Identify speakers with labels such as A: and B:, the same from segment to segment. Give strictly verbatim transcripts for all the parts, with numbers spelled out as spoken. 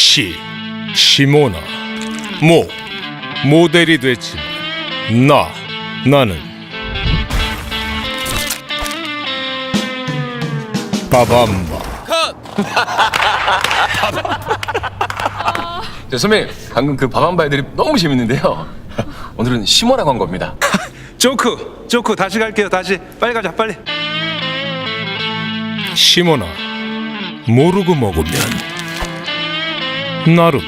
A: 시, 시모나. 모, 모델이 됐지만 나, 나는 빠밤바.
B: 네, 선배님 방금 그 밥한바 애들이 너무 재밌는데요. 오늘은 시모라고 한 겁니다.
C: 조크 조크 다시 갈게요. 다시 빨리 가자 빨리.
A: 시모나. 모르고 먹으면 나름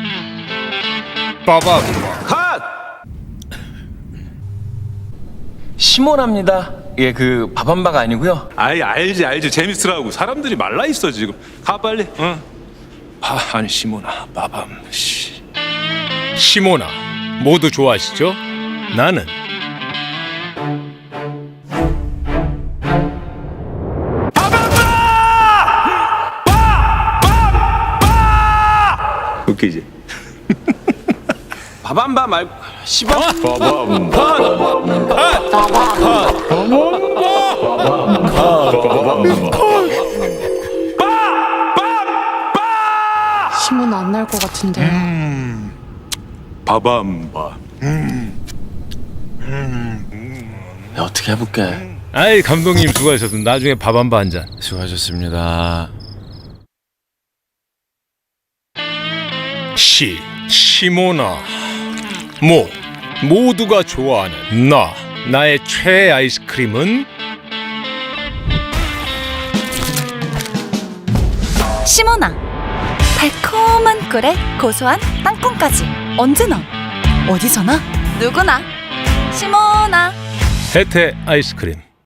A: 빠밤바.
C: 컷.
B: 시모랍니다. 예, 그 밥한바가 아니고요.
C: 아이 알지 알지 재밌으라고 사람들이 말라 있어 지금. 가 빨리. 응. 아 아니 시모나 빠밤 씨.
A: 시모나. 모두 좋아하시죠? 나는
C: 웃기지.
B: 밥한바 말고 시밥.
D: 시몬 안 날 것 같은데.
C: 바밤바.
B: 야, 어떻게 해볼게.
A: 아이 감독님 수고하셨습니다. 나중에 밥 한 바 한 잔.
B: 수고하셨습니다.
A: 시, 시모나. 모, 모두가 좋아하는 나. 나의 최애 아이스크림은
E: 시모나. 달콤한 꿀에 고소한 땅콩까지 언제나 어디서나 누구나 시모나.
A: 혜태 아이스크림.